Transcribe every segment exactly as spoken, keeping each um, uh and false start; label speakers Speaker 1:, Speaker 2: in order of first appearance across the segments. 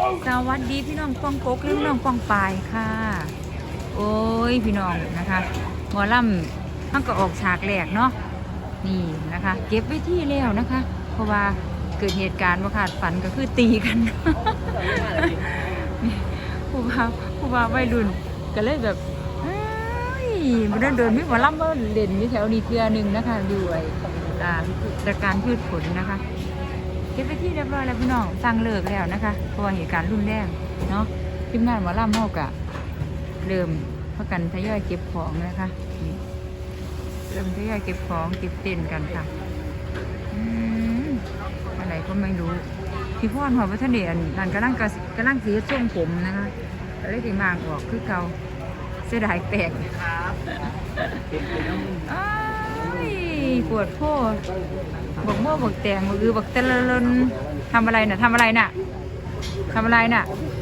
Speaker 1: สวัสดีพี่น้องป้องกกและพี่น้องป้องปายค่ะโอ้ยพี่น้องนะคะหมอลำมันก็ออกฉากแรกเนาะนี่นะคะเก็บไว้ที่แล้วนะคะ เพราะว่าเกิดเหตุการณ์ว่าขาดฝันก็คือตีกันผู้บ่าวผู้บ่าววัยรุ่นก็เลยแบบมันเดินไม่หมอลำว่าเด่นอยู่แถวนี้เทือหนึ่งนะคะด้วยตระการพืชผลนะคะเก็บไปที่เรียบร้อยแล้วพี่น้องสั่งเลิกแล้วนะคะเพราะว่าเหตุการณ์รุนแรงเนาะทีมงานหมอลำเฮากะเริ่มพักกันทยอยเก็บของนะคะเริ่มทยอยเก็บของเก็บเต็นกันค่ะอะไรก็ไม่รู้พี่พ่อหัวพัฒเนียนนั่นกำลังกำลังสีส้มผมนะคะอะไรที่มางออกคือเกาเสียดายแตกปวดโพดบอกเมื่อบอกแตงบอกอือบอกเตลลนทำอะไรน่ะทำอะไรน่ะทำอะไรน่ะ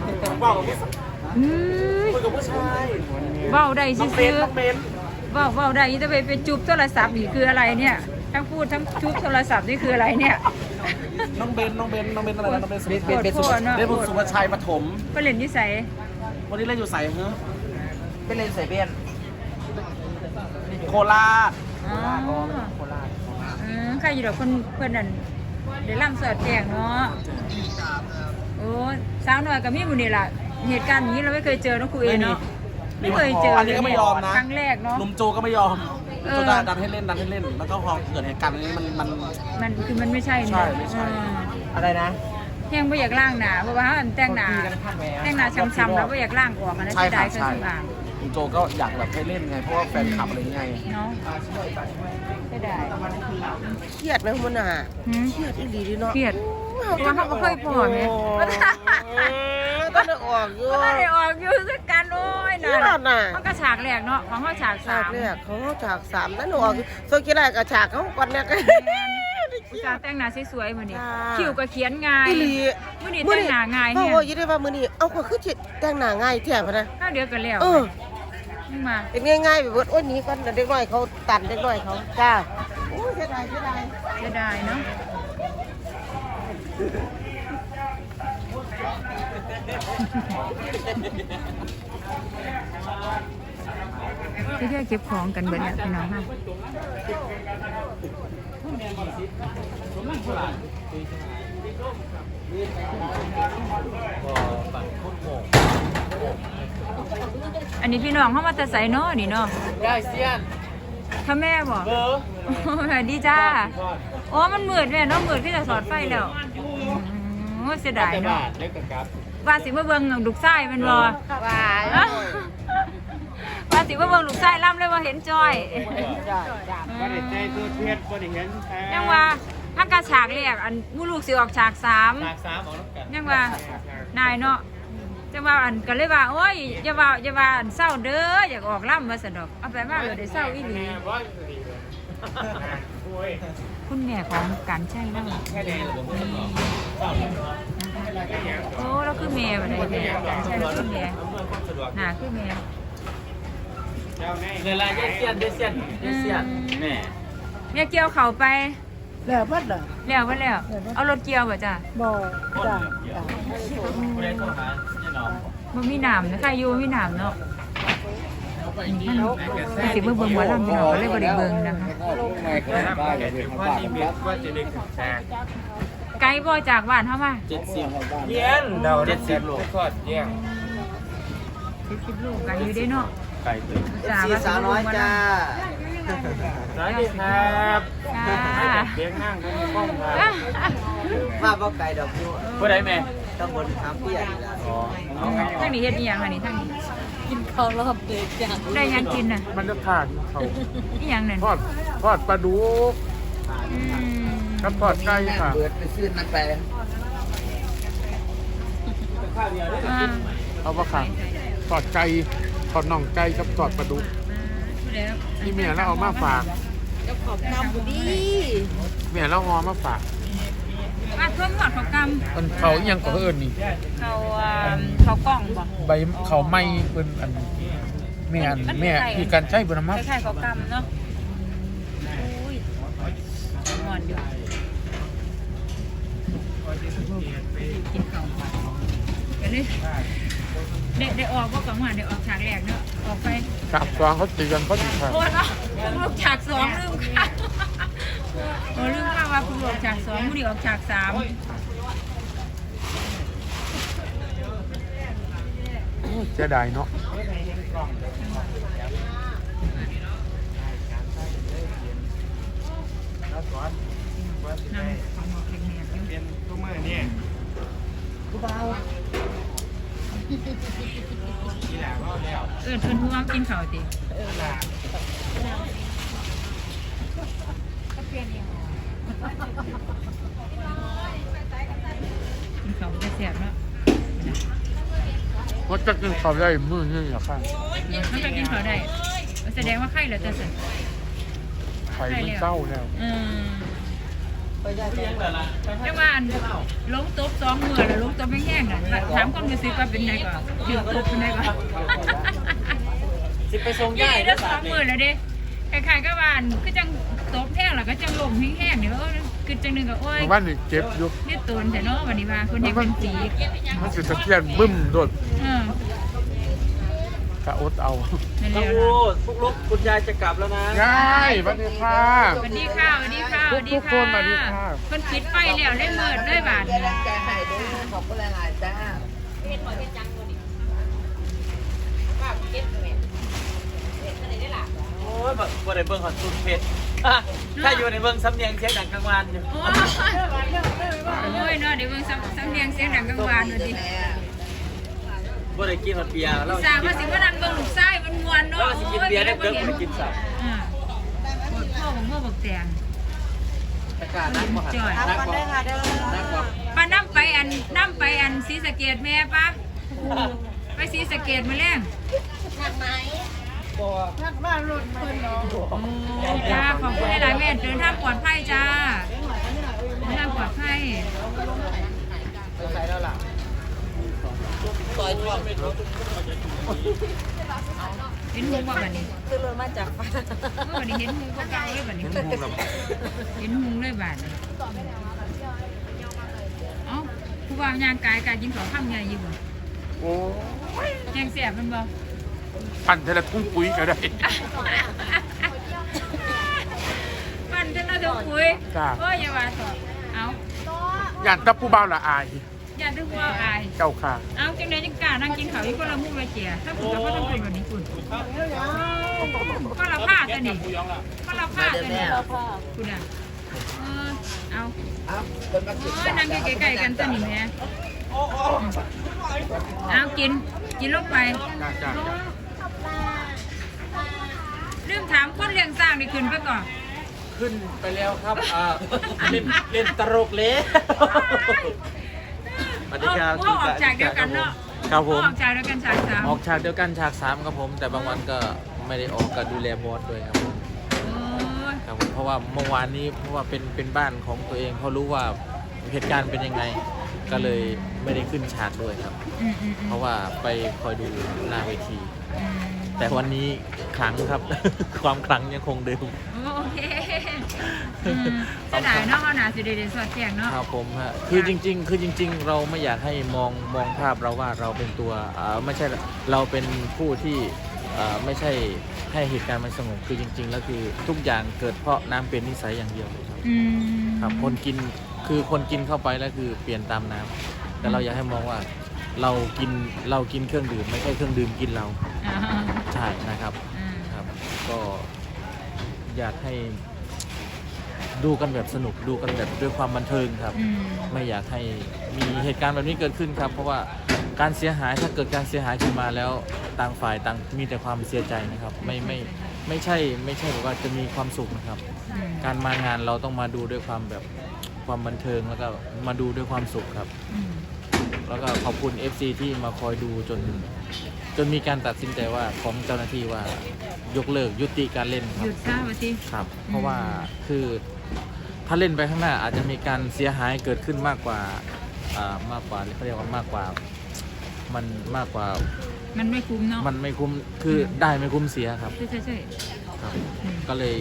Speaker 1: ว้าวได้ซื้อว้าวว้าวได้จะไปไปจุบโทรศัพท์นี่คืออะไรเนี่ยทั้งพูดทั้งจุบโทรศัพท์นี่คืออะไรเนี่ย
Speaker 2: น้องเบนน้องเบนน้องเบนอะไรน้องเบนสุภเบนเป็นสุภเบนสุภชัยปฐม
Speaker 1: ไปเล่นที่ใส่
Speaker 2: วันนี้เล่นอยู่ใส่เฮ้อไปเล่นใส่เบนโคราชโคราชโคราช
Speaker 1: ใครอยู่ดอกคนเพื่อนนั่นเดี๋ยวล่ำเสิร์ฟแจงเนาะโอ้สาวหน่อยกับมี่บุญนี่แหละเหตุการณ์นี้เราไม่เคยเจอนะครูเอเนาะไม่เคยเจอ
Speaker 2: อันนี้ก็ไม่ยอมนะ
Speaker 1: ครั้งแรกเนาะ
Speaker 2: ลุมโจก็ไม่ยอมโจดันให้เล่นดันให้เล่นแล้วก็พอเกิดเหตุการณ์นี้มันมัน
Speaker 1: มันคือมันไม่ใช่
Speaker 2: ใช่ไม่ใช่อะไรนะ
Speaker 1: แห้งไม่อยากล่างหนาเพราะว่าแต่งหนาแต่งหนาช้ำๆแล้วไม่อยากล่างออกนะ
Speaker 2: ใช่
Speaker 1: ได้
Speaker 2: ใช่ลุงโจก็อยากแบบให้เล่นไงเพราะว่าแฟนคลับอะไรไง
Speaker 1: เนาะไม่ได้
Speaker 3: เครียดไหมคุณอ่ะเครียดอีหลีดิเนาะ
Speaker 1: เครียดว่าเขาเคยพอไหม
Speaker 3: ก็ได้ออกอยู่
Speaker 1: ก็ได้ออกอยู่สักการโอ้ยน่ะมันก็ฉากแรกเนาะของเขาฉากสาม
Speaker 3: ฉากแรกของเขาฉากสามนั่นออกโซกิไลกับฉากเขาก่อนเนี่ย
Speaker 1: ผู้ชายแต่งหน้าสวยๆมือนี้คิวก็เขียนง่ายมือนี้แต่งหน้าง่าย
Speaker 3: เนี่ยเขาบอกยี่ได้ว่ามือนี้เอาก็คือจิตแต่งหน้าง่ายแถมนะ
Speaker 1: ข้าวเดียวกันแล้ว
Speaker 3: เออ
Speaker 1: มา
Speaker 3: เป็นง่ายๆแบบว่านี้ก่อนเด็กน้อยเขาตัดเด็กน้อยเขาจ้าโอ้เสียดายเสียดาย
Speaker 1: เสียดายเนาะที่เก็บของกันเบิดเนี่ยพี่น้องค่ะอันนี้พี่น้องเขามาแต่ใส่เนาะนี่เนาะ
Speaker 2: ได้เซียน
Speaker 1: ถ้าแม่บอกเออดีจ้าโอ้มันมืดแม่เนาะมืดที่จะสอดไฟแล้วโอ้เสียดายเนาะว่าสิมาเบิ่งลูกไส้มันบ่
Speaker 3: ว่า
Speaker 1: ว่าสิมาเบิ่งลูกไส้ล่ำเลยว่าเห็นจอย
Speaker 2: ก็ได้ใจตัวเทียนก็ได้เห็น
Speaker 1: ยังว่าถ้ากระฉากเรียกอันมูลูกสิออกฉากสาม
Speaker 2: ฉากสามออกแล้วกัน
Speaker 1: ยังว่านายเนาะจะว่าอันก็เลยว่าโอ้ยอย่าว่าอย่าว่าอันเศร้าเด้ออยากออกล่ำมาสนอกเอาไปมากเลยได้เศร้าอีหลีคุณแม่ของการใช่แล้วโอ้แล้วคือแม่แบบไหนแม่การใช่แล้วคือแม่หาคือแม่
Speaker 2: เวลาเยเซียนเยเซียนเยเซียนแม่
Speaker 1: แม่เกี่ยวเข่าไป
Speaker 3: แล้วพัดเหรอ
Speaker 1: แล้วพัดแล้วเอารถเกี่ยวป่ะจ้ะ
Speaker 3: บ่จ้ะ
Speaker 1: มันมีหนามนะใครอยู่มีหนามเนาะมันสิเบิ่งเบิ่งหัวลำพี่น้องก็เลยบ่ได้เบิ่งนะคะไกลบ่จากบ้านเฮามา
Speaker 2: เจ็ดสิบเย็นเดาเจ็ดสิบโลทอดเยี่ยง
Speaker 1: เจ็ดสิบโลไกลอยู่ได้เนาะ
Speaker 2: ไกลเลย
Speaker 3: สี่สาวน้อยจ้า
Speaker 2: สวัสดีครับเลี้ยงนั่งทั้งกล้องครับ
Speaker 3: มาบ่ไกลดอกอยู่
Speaker 2: ผู้ใดแม่
Speaker 3: ตำบลขามเปียกนี่ล่ะอ๋อ
Speaker 1: ทางนี้เฮ็ดอีหยังอันนี้ทางนี้
Speaker 4: กินข้าวรอบเด็กจัง
Speaker 1: ได้ยังกินน่ะ
Speaker 2: มันจะขาดเขา
Speaker 1: อีหยังนั่น
Speaker 2: ทอดทอดปลาดุกกับทอดไก่ค่ะ
Speaker 3: เปิดไปซื้อนั่นไป
Speaker 2: เอาปะค่ะทอดไก่ทอดน่องไก่กับทอดปลาดุกที่เมียแล้วเอามาฝาก
Speaker 4: จะขอบน้ำบุดี
Speaker 2: เมียแล้วเอามาฝาก
Speaker 1: มาเพิ่มหอดเขากำ
Speaker 2: มันเขายังก็เอิญนี่
Speaker 1: เขาเขากล่องบ่
Speaker 2: ใบเขาไม่เป็นอันแม่อันแม่ที่การใช้บนน้ำมัน
Speaker 1: ใช่เขากำเนาะอุ้ยงอนอยู่กินข้าวกันเลยเด็กได้ออกก็กลางวันได้ออกฉากแรกเนาะออกไป
Speaker 5: ฉากสองเขาตีกันเขาตีกัน
Speaker 1: โอ้ยเนาะลูกฉากสองลืมค่ะโอ้ลืมค่ะว่าคุณออกฉากสองผู้ดีออกฉากสาม
Speaker 5: โอ้เสียดายเนาะ
Speaker 1: นั่งของหมอกแข็งแรงอยู่
Speaker 2: เป็นตัวมือนี่ผู้เบาอีหล่าว่าแล้ว
Speaker 1: เอิ้นเพิ่นผู้ว่ากินข้าวติ
Speaker 2: อีหล่า
Speaker 1: กินข้าวจะแซ่บเนาะ
Speaker 5: ว่าจะกินข้าวได้มื้อนึงเหรอครับ
Speaker 1: มันจะกินข้าวได้แสดงว่าไข้แล้วจะเสร็จ
Speaker 5: ไข่มันเศร้าแล้ว
Speaker 1: อืม
Speaker 2: เลี้ยงเลยล่ะ
Speaker 1: จังว่าอันลงตบสองมื้อแล้วลงตบแห้งๆน่ะถามความรู้สึกว่าเป็นไงก่อนเดือดตบเป็นไงก่อน
Speaker 2: สิไปส่ง
Speaker 1: ยี่
Speaker 2: ย่าย
Speaker 1: ได้สองมื้อแล้วเด้คล้ายๆกับว่าอันคือจังตบแห้งแล้วก็จังลมแห้งๆนี่เออคือจังนึงก็โอ้ย
Speaker 5: เมื่อวานนี่เจ็บอยู่
Speaker 1: นี่ตูนแต่เนาะวันนี้ว่าคนเด็กเป็นปีก
Speaker 5: มันสิตะเคียนบึ้มโดด
Speaker 1: เออก
Speaker 5: ะอดเอา
Speaker 1: นั่นแห
Speaker 2: ต้
Speaker 1: ละ
Speaker 2: อง
Speaker 1: เนาะ
Speaker 2: พูดพวกลูกคุณยายจะกลับแล้วนะ
Speaker 5: ง่ายสวัสดีค่ะ
Speaker 1: สวัสดีค่ะสวัสดีค่ะสวัสดี
Speaker 5: ทุกๆค
Speaker 1: ค่ะ
Speaker 5: นสวัสดีค่ะ
Speaker 1: เพิ่นปิดไฟแล้วได้เมิดได้บาท
Speaker 3: แรงใจให้ด้วยขอบคุณหลายๆจ้า
Speaker 2: โอ้ยแบบบ่ได้เบิ่งหอดสุดเผ็ดอ่ะถ้าอยู่ในเบิ่งสำเนียงเสียงดังกลางวันอยู่
Speaker 1: โอ้ยโอ้ยเนาะเดี๋ยวเบิ่งซ้ำซ้ำเรียงเสียงดังกลางวานว่าติ
Speaker 2: บ่ได้กินหอดเบียร์แล้ว
Speaker 1: สาวว่าสิมานั่งเบิ่งลูกชายมันม่วนเนาะ
Speaker 2: แล้วสิกินเบียร์ได้เกินบ่ได้กินสับ
Speaker 1: อ่าโคตรพ่อของพ่อบักแตง
Speaker 2: อากาศนักบ่หัน
Speaker 1: จ่อย
Speaker 2: นักบ่นักบ่
Speaker 1: ป้าน้ำไปอันน้ำไปอันศรีสะเกษแม่ปะไปศรีสะเกษมาแล้ง
Speaker 2: บ่
Speaker 1: จ้าขอบคุณหลายๆแม่เดินทางปลอดภัยจ้าเดินทางปลอดภัย
Speaker 2: ไปใส่แล้วล่ะ
Speaker 1: เห็นหุงว่าแบบนี้
Speaker 3: คือรถมาจากฟ้า
Speaker 1: เมื่อวันนี้เห็นหุงก็เก่าเลยแบบนี้
Speaker 5: เห็นมุงแล้ว
Speaker 1: เห็นหุงเลยบาดนี้เอ้าผู้ว่ายางกายกายกินของข้ามใหญ่อยู่บ่
Speaker 5: โอ้
Speaker 1: แยงเสียบมันบ่
Speaker 5: ปั่นเทละทุ่งปุ๋ยก็ได้
Speaker 1: ปั่นจนเราจะคุย
Speaker 5: จ้า
Speaker 1: โอ้ยอย่าว่าต่อเอา
Speaker 5: ย่านตะผู้บ่าวละอาย
Speaker 1: อย่าดึงว่าอาย
Speaker 5: เจ้าค่ะ
Speaker 1: เอาจังไดจังกล้านั่งกินข้าวอีกคนละมื้อไปเจียถ้าคุณจะบ่ต้องเป็นแบบนี้คุณก็ละผ้าตัวนี้ก็ละผ้าตัวนี้คุณอ่ะเออเอา
Speaker 2: ครับเพิ่นมากิน
Speaker 1: โอ้ยนั่งใกล้ๆกันตัวนี้แหม่เอากินกินลงไป
Speaker 5: จ้าจ้าจ้า
Speaker 1: ลืมถามคนเลี้ยงสร้างนี่ขึ้นไปก่อน
Speaker 2: ขึ้นไปแล้วครับอ่าเล่นเล่นตลกเลยสวัสดีครับ
Speaker 1: พ่อออกจากเดียวกันเนาะ
Speaker 2: ครับผม
Speaker 1: พ่อออกจากเดียวกันฉากสาม
Speaker 2: ออกฉากเดียวกันฉากสามครับผม แต่บางวันก็ไม่ได้ออกก็ดูแลบอสด้วยครับผม
Speaker 1: โอ้ย
Speaker 2: ครับผมเพราะว่าเมื่อวานนี้เพราะว่าเป็นเป็นบ้านของตัวเองเขารู้ว่าเหตุการณ์เป็นยังไง ก็เลยไม่ได้ขึ้นฉากด้วยครับ
Speaker 1: อืมอืมอืม
Speaker 2: เพราะว่าไปคอยดูหน้าเวที
Speaker 1: อืม
Speaker 2: แต่วันนี้ขลังครับ ความขลังยังคงเดิม
Speaker 1: โอเคอืมเสียดายเนาะเขาหนาสิเดเดสอดแจงเนาะ
Speaker 2: ครับผมฮะคือจริง ๆ คือจริง ๆ เราไม่อยากให้มองมองภาพเราว่าเราเป็นตัวอ่าไม่ใช่เราเป็นผู้ที่อ่าไม่ใช่ให้เหตุการณ์มันสงบคือจริง ๆ แล้วคือทุกอย่างเกิดเพราะน้ำเป็นนิสัยอย่างเดียวครับ
Speaker 1: อืม
Speaker 2: ครับคนกินคือคนกินเข้าไปแล้วคือเปลี่ยนตามน้ำแต่เราอยากให้มองว่าเรากินเรากินเครื่องดื่มไม่ใช่เครื่องดื่มกินเรา
Speaker 1: อ่าฮะ
Speaker 2: ใช่นะครับ
Speaker 1: อืม
Speaker 2: ครับ ก็อยากให้ดูกันแบบสนุกดูกันแบบด้วยความบันเทิงครับ
Speaker 1: อืม
Speaker 2: ไม่อยากให้มีเหตุการณ์แบบนี้เกิดขึ้นครับ เพราะว่าการเสียหายถ้าเกิดการเสียหายขึ้นมาแล้วต่างฝ่ายต่างมีแต่ความเสียใจนะครับ ไม่ไม่ไม่ใช่ไม่ใช่แบบว่าจะมีความสุขนะครับ
Speaker 1: อืม
Speaker 2: การมางานเราต้องมาดูด้วยความแบบความบันเทิงแล้วก็มาดูด้วยความสุขครับ
Speaker 1: อืม
Speaker 2: แล้วก็ขอบคุณ เอฟ ซี ที่มาคอยดูจน จนมีการตัดสินใจว่าของเจ้าหน้าที่ว่ายกเลิกยุติการเล่นค
Speaker 1: ห
Speaker 2: รับ
Speaker 1: ยุดซะวะสิ
Speaker 2: ครับ เพราะว่าคือถ้าเล่นไปข้างหน้าอาจจะมีการเสียหายเกิดขึ้นมากกว่าอ่ามากกว่าเขาเรียกว่ามากกว่ามันมากกว่า
Speaker 1: มันไม่คุ้มเนาะ
Speaker 2: มันไม่คุ้มคือได้ไม่คุ้มเสียครับ
Speaker 1: ใช่ใช่ใช่
Speaker 2: ครับ ก็เลย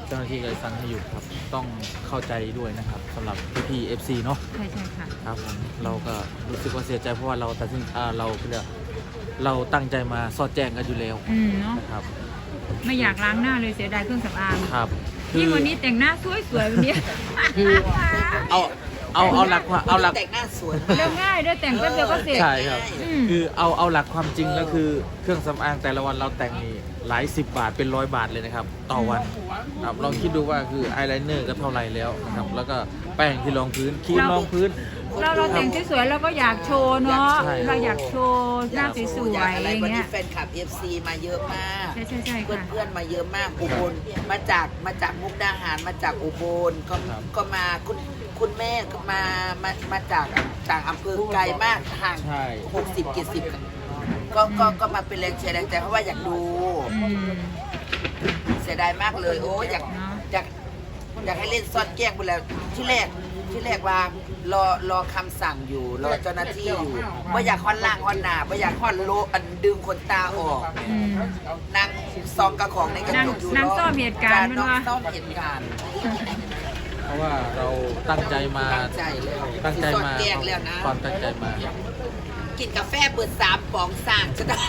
Speaker 2: เจ้าหน้าที่เลยสั่งให้หยุดครับต้องเข้าใจด้วยนะครับสำหรับพี่ๆ เอฟ ซี เนาะ
Speaker 1: ใช่ใช่ค่ะ
Speaker 2: ครับผมเราก็รู้สึกว่าเสียใจเพราะว่าเราตัดสินอ่าเราเรียกเราตั้งใจมาสอดแจ้งกันอยู่แล้ว
Speaker 1: อืมเนาะ
Speaker 2: นะครับ
Speaker 1: ไม่อยากล้างหน้าเลยเสียดายเครื่องสำอาง
Speaker 2: ครับคื
Speaker 1: ยิ่
Speaker 2: อง
Speaker 1: วันนี้แต่งหน้าสวยๆวันนี้
Speaker 2: คือเอาเอาเอาหลักความเอาหลัก
Speaker 3: แต่งหน้าสวย
Speaker 1: เร็วง่ายด้วยแต่งแป๊บเดียวก็เสร็จ
Speaker 2: ใช่ครับ
Speaker 1: อืม
Speaker 2: คือเอาเอาหลักความจริงแล้วคือเครื่องสำอางแต่ละวันเราแต่งนี่หลายสิบบาทเป็นร้อยบาทเลยนะครับ ต่อวันครับลองคิดดูว่าคืออายไลเนอร์ก็เท่าไหร่แล้วนะครับแล้วก็แป้งที่รองพื้นครีมรองพื้น
Speaker 1: เราเราแต่งสวยๆเราก็อยากโชว์เนาะ
Speaker 2: ใช่
Speaker 1: เราอยากโชว์หน้าสวยๆอะไร
Speaker 3: วัน
Speaker 1: เงี้
Speaker 3: นี้
Speaker 1: ย
Speaker 3: แฟนคลับ เอฟ ซี มาเยอะมาก
Speaker 1: ใช่ใช่ใช่
Speaker 3: เพื่อน
Speaker 1: ค่ะ
Speaker 3: เพื่อนๆมาเยอะมากอุบลมาจากมาจากมุกดาหารมาจากอุบลก็
Speaker 2: ครับ
Speaker 3: ก็มาคุณคุณแม่ก็มามามาจากจากอำเภอไกลมากห่าง
Speaker 2: ใช่
Speaker 3: หกสิบกี่สิบก็ก็ก็มาเป็นแรงเชียร์แรงใจเพราะว่าอยากดู
Speaker 1: อืม
Speaker 3: เสียดายมากเลยโอ้อยาก
Speaker 1: เนอะ
Speaker 3: อยากอยากให้เล่นซ่อนแกล้งไปแล้วที่แรกที่แรกว่ารอรอคำสั่งอยู่รอเจ้าหน้าที่อยู่ว่าอยากค่อนล่างค่อนหนาว่าอยากค่อนโลอันดึงขนตาออก
Speaker 1: อืม
Speaker 3: นางซองกระของในกระจกอยู่
Speaker 1: นางซ่อมเหตุการณ์
Speaker 3: น้อง
Speaker 1: มันวะ
Speaker 3: ซ่อมเหตุการณ์
Speaker 2: เพราะว่าเราตั้งใจมา
Speaker 3: ตั้งใจแล้ว
Speaker 2: ตั้งใจ
Speaker 3: ซ่อน
Speaker 2: มา
Speaker 3: แกล้งแล้วนะ
Speaker 2: ความตั้งใจมา
Speaker 3: กินกาแฟเปิดสามป๋องสั่งจะได้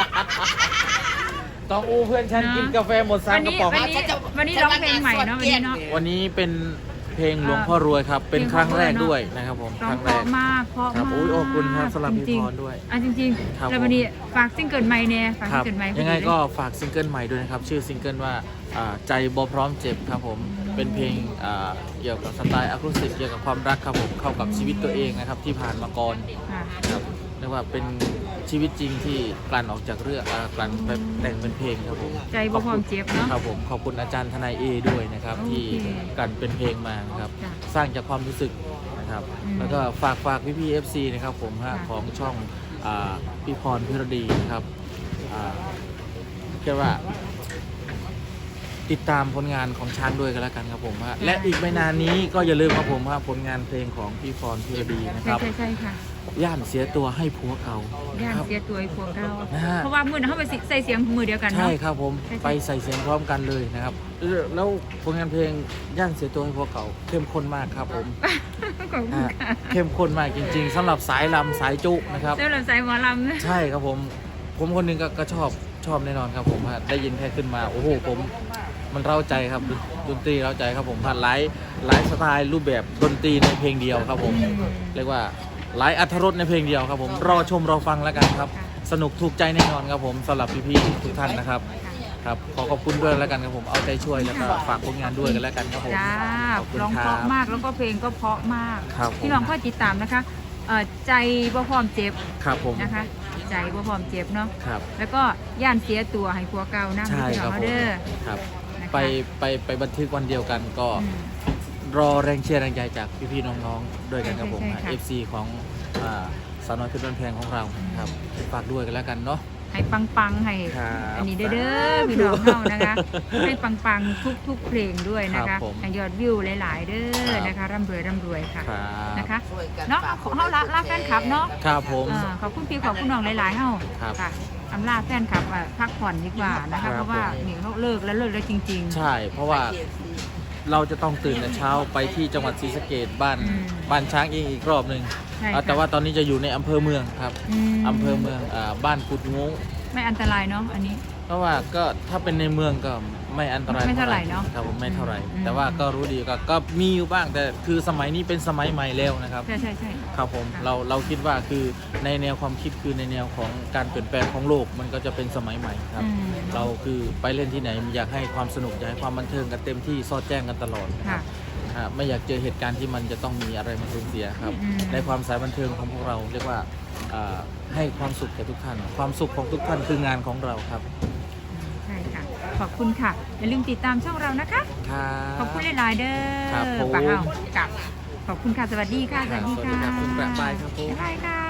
Speaker 2: ต้องอู้เพื่อนฉัน
Speaker 1: เนอะ
Speaker 2: กินกาแฟหมดสามกระป๋อง
Speaker 1: วันนี้วันนี้ร้องเพลงใหม่เนาะวันนี้เนาะ
Speaker 2: วันนี้เป็นเพลงหลวงพ่อรวยครับ เป็นครั้งแรกด้วยนะครับผม
Speaker 1: ร้อ
Speaker 2: ค
Speaker 1: ง
Speaker 2: รั้ง
Speaker 1: เพ
Speaker 2: แร
Speaker 1: ราะ
Speaker 2: ก
Speaker 1: มากเพราะ
Speaker 2: ครับ
Speaker 1: มาก
Speaker 2: โอ้ยขอบคุณครับสำหรับพี่
Speaker 1: จงๆ
Speaker 2: พรด้วย
Speaker 1: อ่ะจริง
Speaker 2: ครับ
Speaker 1: ๆแล้ววันนี้ฝากซิงเกิลใหม่เนี่ยฝาก
Speaker 2: ค
Speaker 1: ซิ
Speaker 2: รั
Speaker 1: ง
Speaker 2: บ
Speaker 1: เกิลใหม่
Speaker 2: ยังไงก็ฝากซิงเกิลใหม่ด้วยนะครับ ชื่อซิงเกิลว่าอ่าใจบ่พร้อมเจ็บครับผมเป็นเพลงอ่าเกี่ยวกับสไตล์อะคูสติกเกี่ยวกับความรักครับผมเข้ากับชีวิตตัวเองนะครับที่ผ่านมาก่อน
Speaker 1: ค่ะ
Speaker 2: ครับเรียกว่าเป็นชีวิตจริงที่กลั่นออกจากเรื่องอ่ากลั่นไปแต่งเป็นเพลงครับผม
Speaker 1: ใจบ่พร้อมเจ็บเนาะ
Speaker 2: ครับผมขอบคุณอาจารย์ทนายเอด้วยนะครับ
Speaker 1: โอเค
Speaker 2: ที่กลั่นเป็นเพลงมานะครับ
Speaker 1: จ้ะ
Speaker 2: สร้างจากความรู้สึกนะครับ
Speaker 1: อืม
Speaker 2: แล้วก็ฝากฝากพี่พี่เอฟซีนะครับผมฮะ
Speaker 1: ค่ะ
Speaker 2: ของช่องอ่าพี่พรพิรดีนะครับอ่าเรียกว่า ติดตามผลงานของช้างด้วยกันแล้วกันครับผมฮะและอีกไม่นานนี้ก็อย่าลืมครับผมฮะผลงานเพลงของพี่พรพิรดีนะค
Speaker 1: ใช่
Speaker 2: รับ
Speaker 1: ใช่ใช่ค่ะ
Speaker 2: ย่านเสียตัวให้ผัวเก่า
Speaker 1: ย่าน
Speaker 2: ครับ
Speaker 1: เสียตัวไอ้พวกเรา
Speaker 2: นะฮะ
Speaker 1: เพราะว่ามือนะเขาไปใส่เสียงมือเดียวกัน
Speaker 2: ใช่
Speaker 1: เนาะ
Speaker 2: ครับผม
Speaker 1: ใช่ใช่
Speaker 2: ไปใส่เสียงพร้อมกันเลยนะครับเออแล้วผลงานเพลงย่านเสียตัวให้ผัวเก่าเข้มข้นมากครับผม
Speaker 1: ขอบคุณ
Speaker 2: อ่ะ
Speaker 1: ค่ะ
Speaker 2: เข้มข้นมากจริงๆสำหรับสายลำสายจุนะครับ
Speaker 1: เจ้าหลังสายหมอลำนะ
Speaker 2: ใช่ครับผมผมคนหนึงก็ก็ชอบชอบแน่นอนครับผมฮะได้ยินแค่ขึ้นมาโอ้โหผมมันเร้าใจครับดนดนตรีเร้าใจครับผมฮะหลายหลายสไตล์รูปแบบดนตรีในเพลงเดียวครับผม
Speaker 1: อืม
Speaker 2: เรียกว่าหลายอรรถรสในเพลงเดียวครับผมรอชมรอฟังแล้วกันครับ
Speaker 1: ค่ะ
Speaker 2: สนุกถูกใจแน่นอนครับผมสำหรับพี่ๆทุกท่านนะครับ ครับขอขอบคุณด้วยแล้วกันครับผมเอาใจช่วยแล้วก็ฝากผลงานด้วยกันแล้วกันครับผม
Speaker 1: จ้า
Speaker 2: ขอบคุณ
Speaker 1: ร้อง
Speaker 2: ค
Speaker 1: เพ
Speaker 2: รั
Speaker 1: ราะ
Speaker 2: บ
Speaker 1: มากแล้วก็เพลงก็เพราะมาก
Speaker 2: ครับผม
Speaker 1: พี่น้องก็ติดตามนะคะเอ่อใจบ่พร้อมเจ็บ
Speaker 2: ครับผม
Speaker 1: นะคะ ใจบ่พร้อมเจ็บเนาะ
Speaker 2: ครับ
Speaker 1: แล้วก็ย่านเสียตัวให้ผัวเก่านะ
Speaker 2: ใช่
Speaker 1: พี่
Speaker 2: ค
Speaker 1: น้
Speaker 2: รั
Speaker 1: อบ ง
Speaker 2: ผม
Speaker 1: เด้อ
Speaker 2: ครับ
Speaker 1: นะคะ
Speaker 2: ไปไปไปบันทึกวันเดียวกันก็
Speaker 1: อืม
Speaker 2: รอแรงเชียร์แรงใจจากพี่ๆน้องๆด้วยกันครับผม
Speaker 1: ใช่ใช่ค่ะ
Speaker 2: เอฟซีของอ่าสาวน้อยเพชรบ้านแพงของเราครับฝากด้วยกันแล้วกันเนาะ
Speaker 1: ให้ปังๆให้
Speaker 2: ครับ
Speaker 1: อันนี้เด้อเด้อพี่น้องเฮานะคะ ให้ปังๆทุกๆเพลงด้วยนะ
Speaker 2: ครั
Speaker 1: คะ
Speaker 2: บผม
Speaker 1: ให้ยอดวิวหลาย ๆ เด้
Speaker 2: ครั
Speaker 1: อบ นะคะร่ำรวยร่ำรวยค่ะ
Speaker 2: ครับ
Speaker 1: นะคะ
Speaker 3: ช่วยกัน
Speaker 1: เนาะ
Speaker 3: ฝาก
Speaker 1: เฮาละละแฟนคลับเนาะ
Speaker 2: ครับผม
Speaker 1: อ่าขอบคุณพี่ขอบคุณน้องหลายๆเฮา
Speaker 2: ครับ
Speaker 1: ค่ะอำลาแฟนคลับอ่ะพักผ่อนดีกว่านะ
Speaker 2: ครั
Speaker 1: คะ
Speaker 2: บ
Speaker 1: เพราะว่านี่เขาเลิกแล้วเลิกแล้วจริง
Speaker 2: ใช่ เพราะว่าเราจะต้องตื่นแต่เช้าไปที่จังหวัดศรีสะเกษบ้าน
Speaker 1: อืม
Speaker 2: บ้านช้างเองอีกรอบหนึ่ง
Speaker 1: ใช่
Speaker 2: อ่า
Speaker 1: ค่ะ
Speaker 2: แต่ว่าตอนนี้จะอยู่ในอำเภอเมืองครับ
Speaker 1: ม
Speaker 2: อำเภอเมืองอ่าบ้านกุดงง
Speaker 1: ไม่อันตรายเนาะอันนี้
Speaker 2: เพราะว่าก็ถ้าเป็นในเมืองก็ไม่อันตราย
Speaker 1: ไม่เท่าไหร่เนอะ
Speaker 2: ครับผมไม่เท่าไหร่
Speaker 1: อืม
Speaker 2: แต่ว่าก็รู้ดีก็ก็มีอยู่บ้างแต่คือสมัยนี้เป็นสมัยใหม่แล้วนะครับ
Speaker 1: ใช่ใช่ใช่
Speaker 2: ครับผม
Speaker 1: ค่ะ
Speaker 2: เราเราคิดว่าคือในแนวความคิดคือในแนวของการเปลี่ยนแปลงของโลกมันก็จะเป็นสมัยใหม่ครับ
Speaker 1: อืม
Speaker 2: เราคือไปเล่นที่ไหนอยากให้ความสนุกอยากให้ความบันเทิงกันเต็มที่สอดแจ้งกันตลอดนะค
Speaker 1: ค่ะ
Speaker 2: รับอ่าไม่อยากเจอเหตุการณ์ที่มันจะต้องมีอะไรมาสูญเสียครับ
Speaker 1: อืม
Speaker 2: ในความสายบันเทิงของพวกเราเรียกว่าอ่าให้ความสุขแก่ทุกท่าน ความสุขของทุกท่านคืองานของเราครับ
Speaker 1: ใช่ค่ะ ขอบคุณค่ะ อย่าลืมติดตามช่องเรานะคะ
Speaker 2: ครับ
Speaker 1: ขอบคุณหลายๆเด้อ
Speaker 2: ครับผม
Speaker 1: ปะเอากลับ ขอบคุณค่ะ สวัสดีค่ะ สวัสดี
Speaker 2: สวัสดี
Speaker 1: ค่ะ
Speaker 2: ครับคุณประปายครับผม
Speaker 1: บ๊ายบายค่ะ